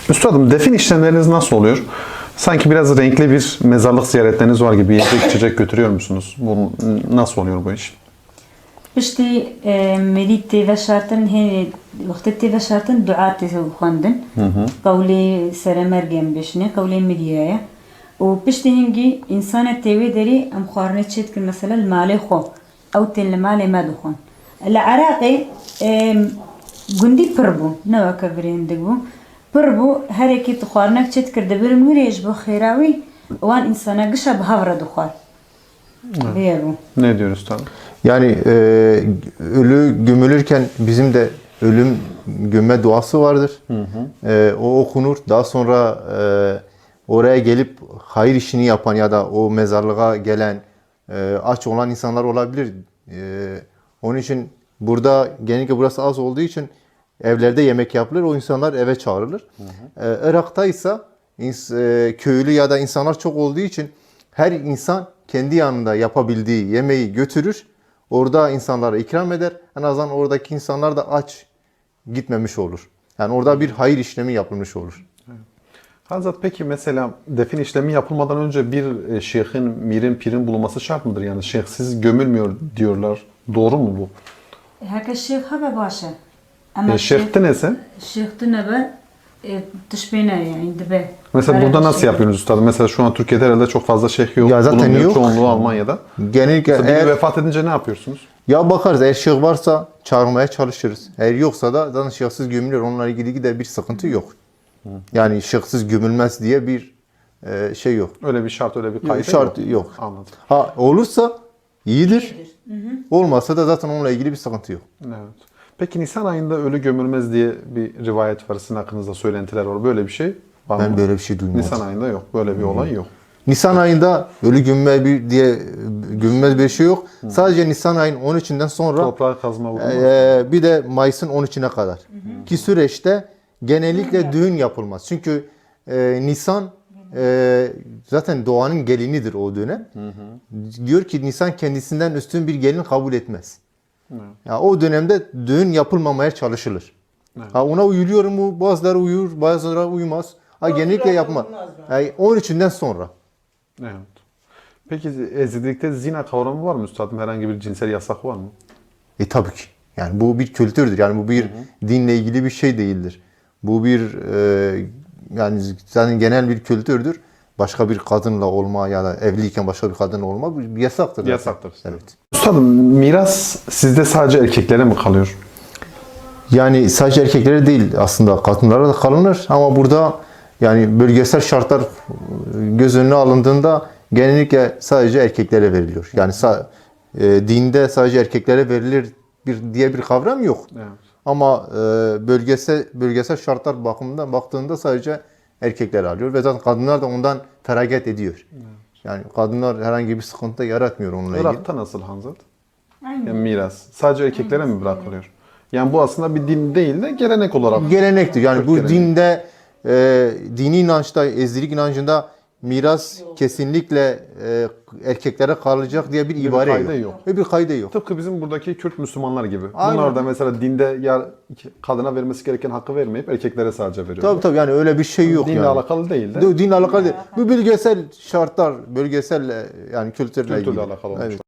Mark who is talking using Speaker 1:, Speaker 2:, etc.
Speaker 1: Üstadım, defin işlemleriniz nasıl oluyor? Sanki biraz renkli bir mezarlık ziyaretleriniz var gibi yiyecek içecek götürüyor musunuz? Bu nasıl oluyor bu iş?
Speaker 2: پشتی مری تیوه شرطن هی وقت تیوه شرطن دعا تیوه خواندن قولی سرمرگم بشنه قولی مریه و پشتی هنگی انسان تیوه داری ام خوارنه چیت کن مثلا المال خو او تن المال ما دخون العراقي گندی پربو نوا کبرین دگو پربو هر کی تخوارنک چیت کرده برن وریج بو خیراوی وان insana قشا بهافره دخوار بیارو.
Speaker 1: Ne diyor üstadım?
Speaker 3: Yani ölü gömülürken bizim de ölüm gömme duası vardır. O okunur. Daha sonra oraya gelip hayır işini yapan ya da o mezarlığa gelen aç olan insanlar olabilir. Onun için burada genellikle burası az olduğu için evlerde yemek yapılır. O insanlar eve çağrılır. Irak'ta ise köylü ya da insanlar çok olduğu için her insan kendi yanında yapabildiği yemeği götürür. Orada insanlara ikram eder. En azından oradaki insanlar da aç gitmemiş olur. Yani orada bir hayır işlemi yapılmış olur.
Speaker 1: Hazret, peki mesela defin işlemi yapılmadan önce bir şeyhin, mirin, pirin bulunması şart mıdır? Yani şeyhsiz gömülmüyor diyorlar. Doğru mu bu?
Speaker 2: هكا الشيخ هبا باشا اما
Speaker 1: Şeyhti neyse?
Speaker 2: الشيخ تنبا تشبينا يعني دبي.
Speaker 1: Mesela burada nasıl yapıyorsunuz üstadım? Mesela şu an Türkiye'de herhalde çok fazla şeyh yok.
Speaker 3: Ya zaten
Speaker 1: bulunmuyor.
Speaker 3: yok.
Speaker 1: Çoğunluğu Almanya'da.
Speaker 3: Genellikle
Speaker 1: Mesela biri
Speaker 3: eğer
Speaker 1: vefat edince ne yapıyorsunuz?
Speaker 3: ya bakarız eğer şeyh varsa çağırmaya çalışırız. Eğer yoksa da zaten şeyhsiz gömülür. Onunla ilgili gider bir sıkıntı yok. Yani şeyhsiz gömülmez diye bir şey yok.
Speaker 1: Öyle bir şart, öyle bir kayıt
Speaker 3: Şart yok.
Speaker 1: Anladım.
Speaker 3: Ha olursa iyidir. Olmazsa da zaten onunla ilgili bir sıkıntı yok.
Speaker 1: Evet. Peki Nisan ayında ölü gömülmez diye bir rivayet var. Sizin hakkınızda söylentiler var. Böyle bir şey var mı?
Speaker 3: Ben böyle bir şey duymadım.
Speaker 1: Nisan ayında yok. Böyle bir olay yok.
Speaker 3: Nisan ayında ölü gömülmez bir şey yok. Sadece Nisan ayın 13'ünden sonra
Speaker 1: Toprağa kazma vurulmaz.
Speaker 3: bir de Mayıs'ın 13'üne kadar. Ki süreçte genellikle düğün yapılmaz. Çünkü Nisan zaten doğanın gelinidir o dönem. Diyor ki Nisan kendisinden üstün bir gelin kabul etmez. Ya o dönemde düğün yapılmamaya çalışılır. Ha, ona uyuluyor mu? Bazıları uyur, bazıları uymaz. Ha, genellikle yapma. Yani 13'ünden sonra.
Speaker 1: Evet. Peki Ezidilikte zina kavramı var mı üstadım? Herhangi bir cinsel yasak var mı?
Speaker 3: Tabii ki. Yani bu bir kültürdür. Yani bu bir dinle ilgili bir şey değildir. Bu bir yani zaten genel bir kültürdür. Başka bir kadınla olma ya da evliyken başka bir kadınla olma bir yasaktır. Zaten.
Speaker 1: Yasaktır.
Speaker 3: Evet.
Speaker 1: Üstadım, miras sizde sadece erkeklere mi kalıyor?
Speaker 3: Yani sadece erkeklere değil aslında kadınlara da kalınır ama burada yani bölgesel şartlar göz önüne alındığında genellikle sadece erkeklere veriliyor. Yani dinde sadece erkeklere verilir diye bir kavram yok.
Speaker 1: Evet.
Speaker 3: Ama bölgesel şartlar bakımından baktığında sadece erkekler alıyor ve zaten kadınlar da ondan feragat ediyor. Evet. Yani kadınlar herhangi bir sıkıntı yaratmıyor onunla ilgili.
Speaker 1: Irak'ta nasıl Hanzat?
Speaker 2: Aynen.
Speaker 1: Yani miras. Sadece erkeklere mi bırakılıyor? Yani bu aslında bir din değil de gelenek olarak.
Speaker 3: Gelenektir. Yani bu
Speaker 1: gelenek.
Speaker 3: dinde, dini inançta, Ezidilik inancında miras kesinlikle erkeklere kalacak diye bir ibare
Speaker 1: kaydı
Speaker 3: yok.
Speaker 1: yok.
Speaker 3: Ve bir kaydı yok.
Speaker 1: Tıpkı bizim buradaki Kürt Müslümanlar gibi.
Speaker 3: Aynen.
Speaker 1: Bunlar da mesela dinde ya kadına vermesi gereken hakkı vermeyip erkeklere sadece veriyor.
Speaker 3: Tabii tabii yani öyle bir şey yok
Speaker 1: Dinle
Speaker 3: yani.
Speaker 1: alakalı değil de.
Speaker 3: Dinle alakalı değil. Bu bölgesel şartlar, bölgesel yani kültürle
Speaker 1: Kültürle
Speaker 3: ilgili.
Speaker 1: alakalı olmuş.
Speaker 3: Evet.